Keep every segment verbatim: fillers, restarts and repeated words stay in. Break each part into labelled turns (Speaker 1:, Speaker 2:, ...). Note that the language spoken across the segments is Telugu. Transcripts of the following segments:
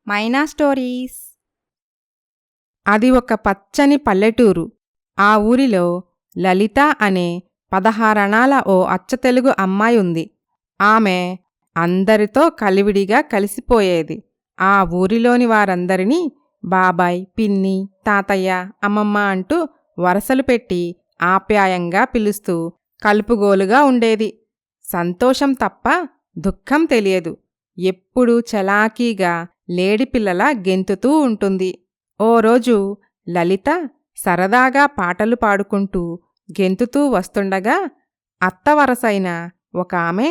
Speaker 1: మైనా స్టోరీస్. అది ఒక పచ్చని పల్లెటూరు. ఆ ఊరిలో లలిత అనే పదహారణాల ఓ అచ్చతెలుగు అమ్మాయి ఉంది. ఆమె అందరితో కలివిడిగా కలిసిపోయేది. ఆ ఊరిలోని వారందరినీ బాబాయ్, పిన్ని, తాతయ్య, అమ్మమ్మ అంటూ వరసలు పెట్టి ఆప్యాయంగా పిలుస్తూ కలుపుగోలుగా ఉండేది. సంతోషం తప్ప దుఃఖం తెలియదు. ఎప్పుడూ చలాకీగా లేడిపిల్లలా గెంతుతూ ఉంటుంది. ఓ రోజు లలిత సరదాగా పాటలు పాడుకుంటూ గెంతుతూ వస్తుండగా అత్తవరసైన ఒక ఆమె,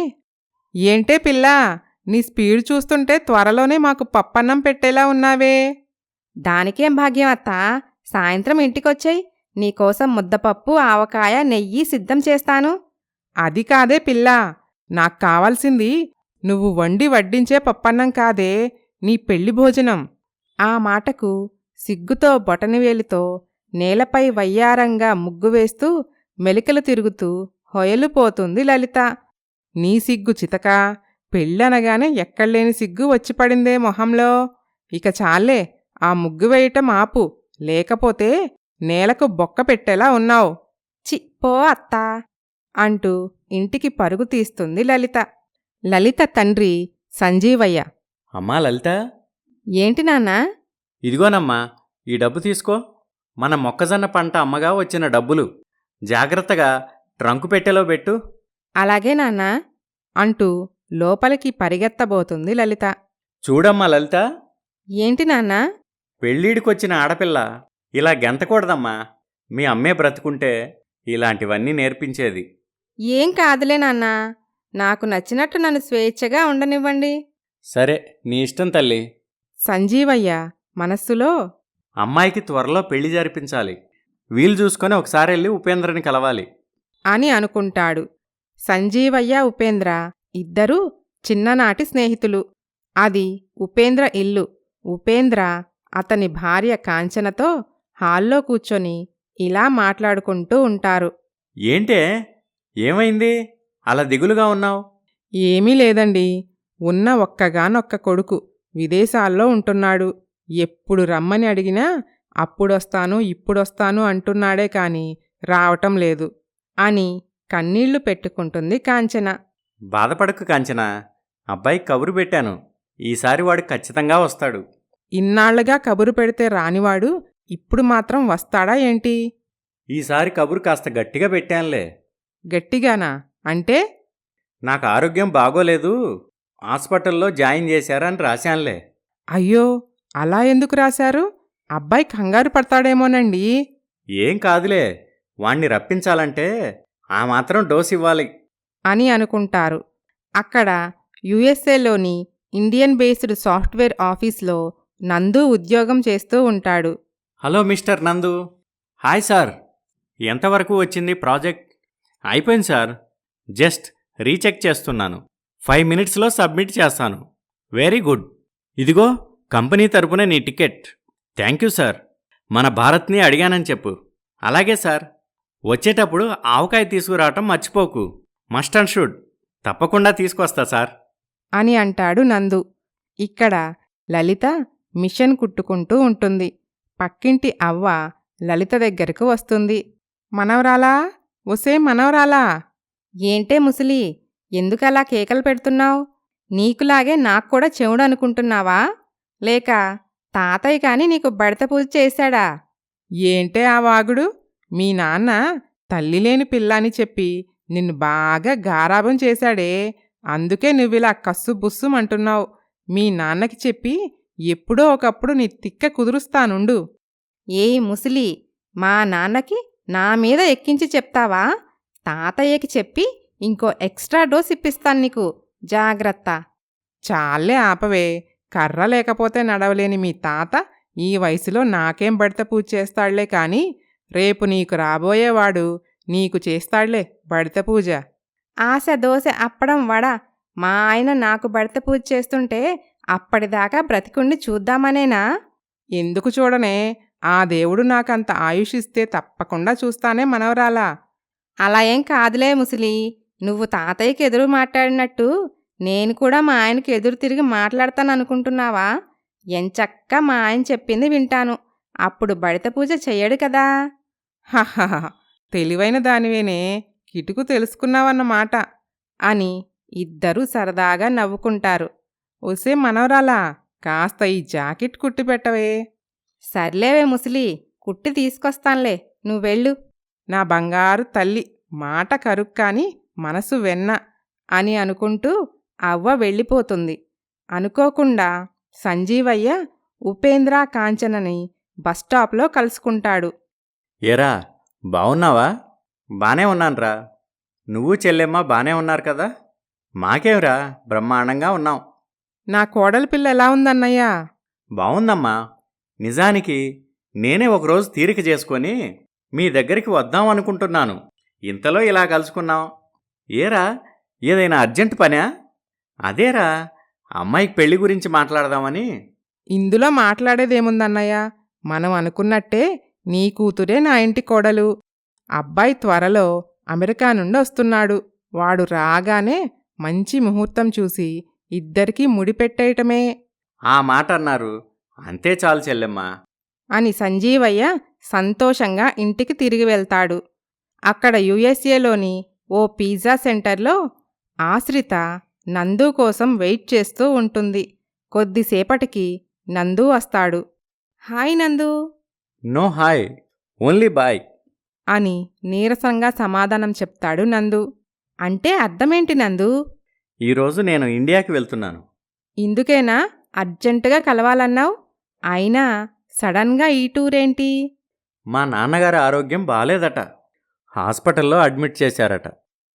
Speaker 1: ఏంటే పిల్లా, నీ స్పీడ్ చూస్తుంటే త్వరలోనే మాకు పప్పన్నం పెట్టేలా ఉన్నావే.
Speaker 2: దానికేం భాగ్యం అత్తా, సాయంత్రం ఇంటికొచ్చేయ్, నీకోసం ముద్దపప్పు, ఆవకాయ, నెయ్యి సిద్ధం చేస్తాను.
Speaker 1: అది కాదే పిల్లా, నాకు కావాల్సింది నువ్వు వండి వడ్డించే పప్పన్నం కాదే, నీ పెళ్లి భోజనం. ఆ మాటకు సిగ్గుతో బొటనవేలితో నేలపై వయ్యారంగా ముగ్గు వేస్తూ మెలికలు తిరుగుతూ హొయలుపోతుంది లలిత. నీ సిగ్గు చితకా, పెళ్ళనగానే ఎక్కడ్లేని సిగ్గు వచ్చిపడిందే మొహంలో. ఇక చాలే, ఆ ముగ్గు వేయటం ఆపు, లేకపోతే నేలకు బొక్క పెట్టేలా ఉన్నావు.
Speaker 2: చి పో అత్తా
Speaker 1: అంటూ ఇంటికి పరుగు తీస్తుంది లలిత. లలిత తండ్రి సంజీవయ్య.
Speaker 3: అమ్మా లలిత,
Speaker 2: ఏంటి నాన్నా?
Speaker 3: ఇదిగోనమ్మా, ఈ డబ్బు తీసుకో. మన మొక్కజొన్న పంట అమ్మగా వచ్చిన డబ్బులు. జాగ్రత్తగా ట్రంకు పెట్టెలో పెట్టు.
Speaker 2: అలాగే నాన్నా
Speaker 1: అంటూ లోపలికి పరిగెత్తబోతుంది లలిత.
Speaker 3: చూడమ్మా లలిత,
Speaker 2: ఏంటి నాన్నా?
Speaker 3: పెళ్ళీడికొచ్చిన ఆడపిల్ల ఇలా గెంతకూడదమ్మా. మీ అమ్మే బ్రతుకుంటే ఇలాంటివన్నీ నేర్పించేది.
Speaker 2: ఏం కాదులే నాన్నా, నాకు నచ్చినట్టు నన్ను స్వేచ్ఛగా ఉండనివ్వండి.
Speaker 3: సరే, నీ ఇష్టం తల్లి.
Speaker 1: సంజీవయ్య మనస్సులో,
Speaker 3: అమ్మాయికి త్వరలో పెళ్లి జరిపించాలి. వీలు చూసుకొని ఒకసారి వెళ్ళి ఉపేంద్రని కలవాలి
Speaker 1: అని అనుకుంటాడు. సంజీవయ్య, ఉపేంద్ర ఇద్దరూ చిన్ననాటి స్నేహితులు. అది ఉపేంద్ర ఇల్లు. ఉపేంద్ర అతని భార్య కాంచనతో హాల్లో కూర్చొని ఇలా మాట్లాడుకుంటూ ఉంటారు.
Speaker 3: ఏంటే, ఏమైంది అలా దిగులుగా ఉన్నావు?
Speaker 1: ఏమీ లేదండి, ఉన్న ఒక్కగానొక్క కొడుకు విదేశాల్లో ఉంటున్నాడు. ఎప్పుడు రమ్మని అడిగినా అప్పుడొస్తాను ఇప్పుడొస్తాను అంటున్నాడే కాని రావటం లేదు అని కన్నీళ్లు పెట్టుకుంటుంది కాంచన.
Speaker 3: బాధపడకు కాంచన, అబ్బాయి కబురు పెట్టాను. ఈసారి వాడు ఖచ్చితంగా వస్తాడు.
Speaker 1: ఇన్నాళ్లుగా కబురు పెడితే రానివాడు ఇప్పుడు మాత్రం వస్తాడా ఏంటి?
Speaker 3: ఈసారి కబురు కాస్త గట్టిగా పెట్టానులే.
Speaker 1: గట్టిగానా అంటే?
Speaker 3: నాకు ఆరోగ్యం బాగోలేదు, హాస్పిటల్లో జాయిన్ చేశారని రాశానులే.
Speaker 1: అయ్యో, అలా ఎందుకు రాశారు? అబ్బాయి కంగారు పడతాడేమోనండి.
Speaker 3: ఏం కాదులే, వాణ్ణి రప్పించాలంటే ఆ మాత్రం డోస్ ఇవ్వాలి
Speaker 1: అని అనుకుంటారు. అక్కడ యుఎస్ఏలోని ఇండియన్ బేస్డ్ సాఫ్ట్వేర్ ఆఫీస్లో నందు ఉద్యోగం చేస్తూ ఉంటాడు.
Speaker 3: Hello mister Nandu. Hi sir. ఎంతవరకు వచ్చింది ప్రాజెక్ట్? అయిపోయింది సార్, జస్ట్ రీచెక్ చేస్తున్నాను. ఫైవ్ మినిట్స్లో సబ్మిట్ చేస్తాను. Very good. ఇదిగో కంపెనీ తరపున నీ టికెట్. Thank you sir. మన భారత్ని అడిగానని చెప్పు. అలాగే సార్. వచ్చేటప్పుడు ఆవకాయ తీసుకురావటం మర్చిపోకు. Must and should. తప్పకుండా తీసుకొస్తా సార్
Speaker 1: అని అంటాడు నందు. ఇక్కడ లలిత మిషన్ కుట్టుకుంటూ ఉంటుంది. పక్కింటి అవ్వ లలిత దగ్గరకు వస్తుంది. మనవరాలా, ఒసే మనవరాలా.
Speaker 2: ఏంటే ముసలి, ఎందుకలా కేకలు పెడుతున్నావు? నీకులాగే నాక్కూడా చెవుడు అనుకుంటున్నావా? లేక తాతయ్య కాని నీకు బడత పూజ చేశాడా?
Speaker 1: ఏంటే ఆ వాగుడు? మీ నాన్న తల్లిలేని పిల్లని చెప్పి నిన్ను బాగా గారాబం చేశాడే, అందుకే నువ్విలా కస్సు బుస్సుమంటున్నావు. మీ నాన్నకి చెప్పి ఎప్పుడో ఒకప్పుడు నీ తిక్క కుదురుస్తానుండు.
Speaker 2: ఏయ్ ముసలి, మా నాన్నకి నా మీద ఎక్కించి చెప్తావా? తాతయ్యకి చెప్పి ఇంకో ఎక్స్ట్రా డోస్ ఇప్పిస్తాను నీకు, జాగ్రత్త.
Speaker 1: చాలే ఆపవే, కర్ర లేకపోతే నడవలేని మీ తాత ఈ వయసులో నాకేం బడత పూజ చేస్తాడులే కాని రేపు నీకు రాబోయేవాడు నీకు చేస్తాడులే బడత పూజ.
Speaker 2: ఆశ, దోశ, అప్పడం, వడ మా ఆయన నాకు బడత పూజ చేస్తుంటే అప్పటిదాకా బ్రతికుండి చూద్దామనేనా?
Speaker 1: ఎందుకు చూడనే, ఆ దేవుడు నాకంత ఆయుషిస్తే తప్పకుండా చూస్తానే మనవరాలా.
Speaker 2: అలా ఏం కాదులే ముసలి, నువ్వు తాతయ్యకి ఎదురు మాట్లాడినట్టు నేను కూడా మా ఆయనకి ఎదురు తిరిగి మాట్లాడతాననుకుంటున్నావా? ఎంచక్కా మా ఆయన చెప్పింది వింటాను. అప్పుడు బడిత పూజ చెయ్యడు కదా.
Speaker 1: హహహ తెలివైన దానివేనే, కిటుకు తెలుసుకున్నావన్నమాట
Speaker 2: అని ఇద్దరూ సరదాగా నవ్వుకుంటారు.
Speaker 1: ఒసే మనవరాలా, కాస్త ఈ జాకెట్ కుట్టి పెట్టవే.
Speaker 2: సర్లేవే ముసలి, కుట్టి తీసుకొస్తాన్లే, నువ్వెళ్ళు.
Speaker 1: నా బంగారు తల్లి, మాట కరుక్కాని మనసు వెన్న
Speaker 2: అని అనుకుంటూ అవ్వ వెళ్ళిపోతుంది. అనుకోకుండా సంజీవయ్య ఉపేంద్ర కాంచనని బస్టాప్లో కలుసుకుంటాడు.
Speaker 3: ఏరా బావున్నావా? బానే ఉన్నాన్రా. నువ్వు చెల్లెమ్మ బానే ఉన్నారు కదా? మాకేంరా, బ్రహ్మాండంగా ఉన్నాం.
Speaker 1: నా కోడలి పిల్ల ఎలా ఉందన్నయ్యా?
Speaker 3: బావుందమ్మా. నిజానికి నేనే ఒకరోజు తీరిక చేసుకొని మీ దగ్గరికి వద్దాం అనుకుంటున్నాను. ఇంతలో ఇలా కలుసుకున్నాం. ఏరా, ఏదైనా అర్జెంట్ పనా? అదేరా, అమ్మాయికి పెళ్లి గురించి మాట్లాడదామని.
Speaker 1: ఇందులో మాట్లాడేదేముందన్నయ్యా, మనం అనుకున్నట్టే నీ కూతురే నా ఇంటి కోడలు. అబ్బాయి త్వరలో అమెరికా నుండి వస్తున్నాడు. వాడు రాగానే మంచి ముహూర్తం చూసి ఇద్దరికీ ముడిపెట్టేయటమే
Speaker 3: ఆ మాట అన్నారు. అంతే చాలు చెల్లెమ్మ.
Speaker 2: అని సంజీవయ్య సంతోషంగా ఇంటికి తిరిగి వెళ్తాడు. అక్కడ యుఎస్ఏలోని ఓ పిజ్జా సెంటర్లో ఆశ్రిత నందు కోసం వెయిట్ చేస్తూ ఉంటుంది. కొద్దిసేపటికి నందు వస్తాడు. హాయ్ నందు
Speaker 3: నో హాయ్, ఓన్లీ బాయ్
Speaker 2: అని నీరసంగా సమాధానం చెప్తాడు నందు. అంటే అర్థమేంటి నందు?
Speaker 3: ఈరోజు నేను ఇండియాకి వెళ్తున్నాను.
Speaker 2: ఇందుకేనా అర్జెంటుగా కలవాలన్నావు? అయినా సడన్గా ఈ టూరేంటి?
Speaker 3: మా నాన్నగారి ఆరోగ్యం బాలేదట. హాస్పిటల్లో అడ్మిట్ చేశారట.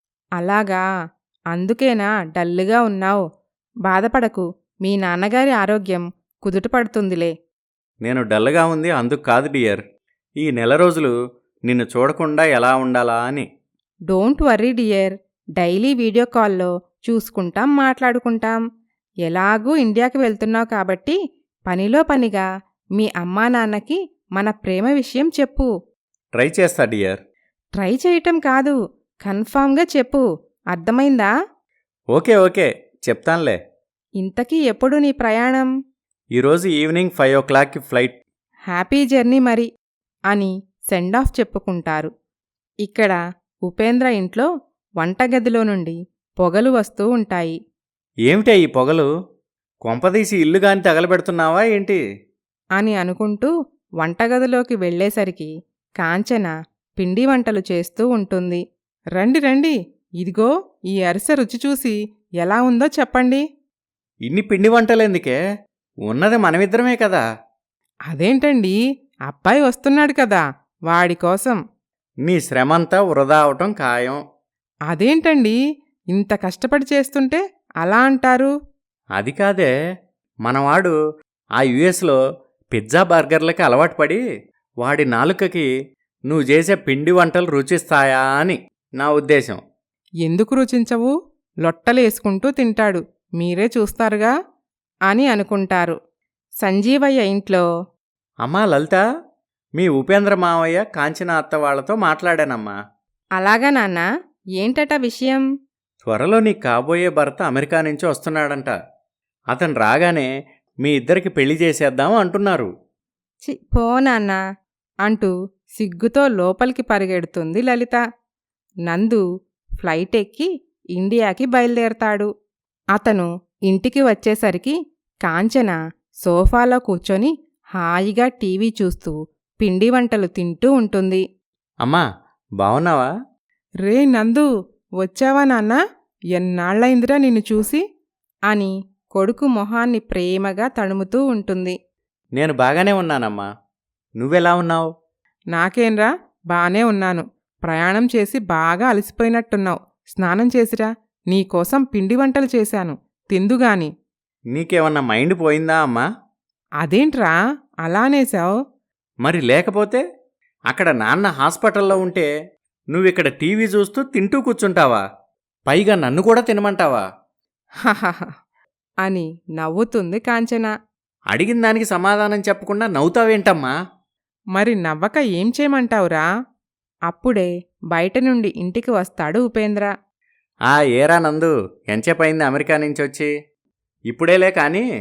Speaker 2: అలాగా, అందుకేనా డల్లుగా ఉన్నావు? బాధపడకు, మీ నాన్నగారి ఆరోగ్యం కుదుటపడుతుందిలే.
Speaker 3: నేను డల్గా ఉంది అందుకు కాదు డియర్. ఈ నెల రోజులు నిన్ను చూడకుండా ఎలా ఉండాలా అని.
Speaker 2: Don't worry dear, daily video కాల్లో చూసుకుంటాం, మాట్లాడుకుంటాం. ఎలాగూ ఇండియాకి వెళ్తున్నావు కాబట్టి పనిలో పనిగా మీ అమ్మా నాన్నకి మన ప్రేమ విషయం చెప్పు.
Speaker 3: ట్రై చేస్తా డియర్.
Speaker 2: ట్రై చేయటం కాదు, కన్ఫామ్గా చెప్పు, అర్థమైందా?
Speaker 3: ఓకే ఓకే చెప్తాన్లే.
Speaker 2: ఇంతకీ ఎప్పుడు నీ ప్రయాణం?
Speaker 3: ఈరోజు ఈవినింగ్ ఫైవ్ ఓ క్లాక్కి ఫ్లైట్.
Speaker 2: హ్యాపీ జర్నీ మరి అని సెండ్ ఆఫ్ చెప్పుకుంటారు. ఇక్కడ ఉపేంద్ర ఇంట్లో వంటగదిలో నుండి పొగలు వస్తూ ఉంటాయి.
Speaker 3: ఏమిటే ఈ పొగలు? కొంపదీసి ఇల్లుగాని తగలబెడుతున్నావా ఏంటి?
Speaker 2: అని అనుకుంటూ వంటగదిలోకి వెళ్ళేసరికి కాంచన పిండి వంటలు చేస్తూ ఉంటుంది.
Speaker 1: రండి రండి, ఇదిగో ఈ అరిసె రుచి చూసి ఎలా ఉందో చెప్పండి.
Speaker 3: ఇన్ని పిండి వంటలెందుకే? ఉన్నది మనమిద్దరమే కదా.
Speaker 1: అదేంటండి, అబ్బాయి వస్తున్నాడు కదా, వాడి కోసం.
Speaker 3: నీ శ్రమంతా వృధా అవటం ఖాయం.
Speaker 1: అదేంటండి, ఇంత కష్టపడి చేస్తుంటే అలా అంటారు?
Speaker 3: అది కాదే, మనవాడు ఆ యుఎస్లో పిజ్జా బర్గర్లకి అలవాటు పడి వాడి నాలుకకి నువ్వు చేసే పిండి వంటలు రుచిస్తాయా అని నా ఉద్దేశం.
Speaker 1: ఎందుకు రుచించవు? లొట్టలేసుకుంటూ తింటాడు, మీరే చూస్తారుగా
Speaker 2: అని అనుకుంటారు. సంజీవయ్య ఇంట్లో
Speaker 3: అమ్మా లలిత, మీ ఉపేంద్ర మావయ్య కాంచన అత్త వాళ్లతో మాట్లాడానమ్మా.
Speaker 2: అలాగా నాన్నా, ఏంటట విషయం?
Speaker 3: త్వరలో నీ కాబోయే భర్త అమెరికా నుంచి వస్తున్నాడంట. అతను రాగానే మీ ఇద్దరికి పెళ్లి చేసేద్దాం అంటున్నారు.
Speaker 2: చి పో నాన్నా అంటూ సిగ్గుతో లోపలికి పరిగెడుతుంది లలిత. నందు ఫ్లైట్ ఎక్కి ఇండియాకి బయలుదేరతాడు. అతను ఇంటికి వచ్చేసరికి కాంచన సోఫాలో కూర్చొని హాయిగా టీవీ చూస్తూ పిండి వంటలు తింటూ ఉంటుంది.
Speaker 3: అమ్మా బావున్నావా?
Speaker 1: రే నందు, వచ్చావా నాన్నా? ఎన్నాళ్లైందిరా నిన్ను చూసి
Speaker 2: అని కొడుకు మొహాన్ని ప్రేమగా తడుముతూ ఉంటుంది.
Speaker 3: నేను బాగానే ఉన్నానమ్మా. నువ్వెలా ఉన్నావు?
Speaker 1: నాకేంరా, బానే ఉన్నాను. ప్రయాణం చేసి బాగా అలసిపోయినట్టున్నావు. స్నానం చేసిరా, నీకోసం పిండి వంటలు చేశాను, తిందుగాని.
Speaker 3: నీకేమన్నా మైండ్ పోయిందా అమ్మా?
Speaker 1: అదేంట్రా అలానేశావు?
Speaker 3: మరి లేకపోతే అక్కడ నాన్న హాస్పిటల్లో ఉంటే నువ్విక్కడ టీవీ చూస్తూ తింటూ కూర్చుంటావా? పైగా నన్ను కూడా తినమంటావా?
Speaker 1: హహహ
Speaker 2: అని నవ్వుతుంది కాంచన.
Speaker 3: అడిగిన దానికి సమాధానం చెప్పకుండా నవ్వుతావేంటమ్మా?
Speaker 1: మరి నవ్వక ఏం చేయమంటావురా?
Speaker 2: అప్పుడే బయట నుండి ఇంటికి వస్తాడు ఉపేంద్ర.
Speaker 3: ఆ ఏరా నందు, ఎంచేపయింది అమెరికా నుంచి వచ్చి? ఇప్పుడేలే కానీ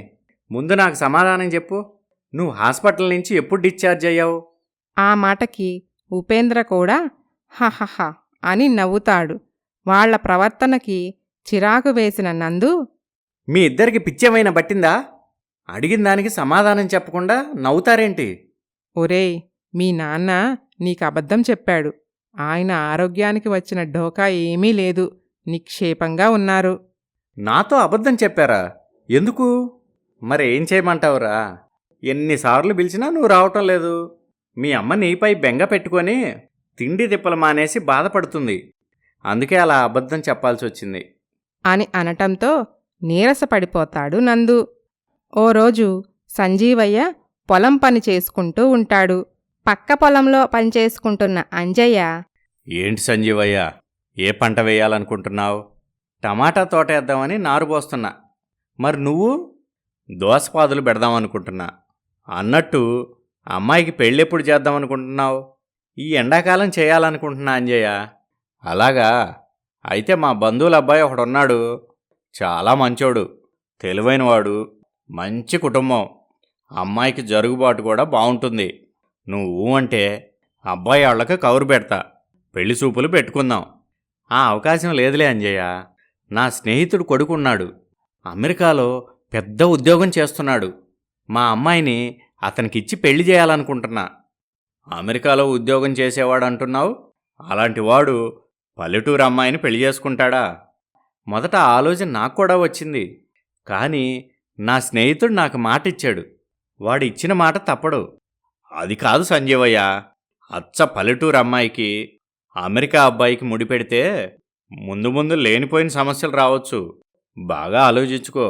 Speaker 3: ముందు నాకు సమాధానం చెప్పు. నువ్వు హాస్పిటల్ నుంచి ఎప్పుడు డిశ్చార్జ్ అయ్యావు?
Speaker 2: ఆ మాటకి ఉపేంద్ర కూడా హహహ అని నవ్వుతాడు. వాళ్ల ప్రవర్తనకి చిరాకు వేసిన నందు,
Speaker 3: మీ ఇద్దరికి పిచ్చేమైనా పట్టిందా? అడిగిన దానికి సమాధానం చెప్పకుండా నవ్వుతారేంటి?
Speaker 1: ఒరేయ్, మీ నాన్న నీకు అబద్ధం చెప్పాడు. ఆయన ఆరోగ్యానికి వచ్చిన ఢోకా ఏమీ లేదు, నిక్షేపంగా ఉన్నారు.
Speaker 3: నాతో అబద్ధం చెప్పారా? ఎందుకు? మరి ఏం చేయమంటావురా? ఎన్నిసార్లు పిలిచినా నువ్వు రావటం లేదు. మీ అమ్మ నీపై బెంగ పెట్టుకొని తిండి తిప్పలు మానేసి బాధపడుతుంది. అందుకే అలా అబద్ధం చెప్పాల్సి వచ్చింది
Speaker 2: అని అనటంతో నీరసపడిపోతాడు నందు. ఓ రోజు సంజీవయ్య పొలం పని చేసుకుంటూ ఉంటాడు. పక్క పొలంలో పనిచేసుకుంటున్న అంజయ్య,
Speaker 3: ఏంటి సంజీవయ్య, ఏ పంట వేయాలనుకుంటున్నావు? టమాటా తోట వేద్దామని నారు పోస్తున్నా. మరి నువ్వు? దోసపాదులు పెడదామనుకుంటున్నా. అన్నట్టు అమ్మాయికి పెళ్ళెప్పుడు చేద్దామనుకుంటున్నావు? ఈ ఎండాకాలం చేయాలనుకుంటున్నా అంజయ్య. అలాగా? అయితే మా బంధువుల అబ్బాయి ఒకడున్నాడు. చాలా మంచోడు, తెలివైనవాడు, మంచి కుటుంబం. అమ్మాయికి జరుగుబాటు కూడా బాగుంటుంది. నువ్వు అంటే అబ్బాయి వాళ్ళకి కౌరు పెడతా, పెళ్లి చూపులు పెట్టుకుందాం. ఆ అవకాశం లేదులే అంజయ్య. నా స్నేహితుడు కొడుకున్నాడు, అమెరికాలో పెద్ద ఉద్యోగం చేస్తున్నాడు. మా అమ్మాయిని అతనికిచ్చి పెళ్లి చేయాలనుకుంటున్నా. అమెరికాలో ఉద్యోగం చేసేవాడు అంటున్నావు, అలాంటి వాడు పల్లెటూరు అమ్మాయిని పెళ్లి చేసుకుంటాడా? మొదట ఆలోచన నాకు కూడా వచ్చింది. కానీ నా స్నేహితుడు నాకు మాట ఇచ్చాడు. వాడు ఇచ్చిన మాట తప్పడు. అది కాదు సంజీవయ్య, అచ్చ పల్లెటూరు అమ్మాయికి అమెరికా అబ్బాయికి ముడిపెడితే ముందు ముందు లేనిపోయిన సమస్యలు రావచ్చు. బాగా ఆలోచించుకో.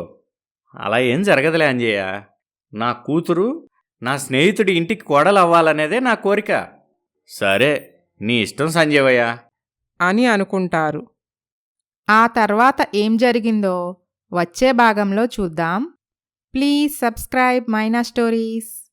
Speaker 3: అలా ఏం జరగదులే అంజయ్య. నా కూతురు నా స్నేహితుడి ఇంటికి కోడలు అవ్వాలనేదే నా కోరిక. సరే, నీ ఇష్టం సంజీవయ్య
Speaker 1: అని అనుకుంటారు.
Speaker 2: ఆ తర్వాత ఏం జరిగిందో వచ్చే భాగంలో చూద్దాం. Please subscribe Maina stories.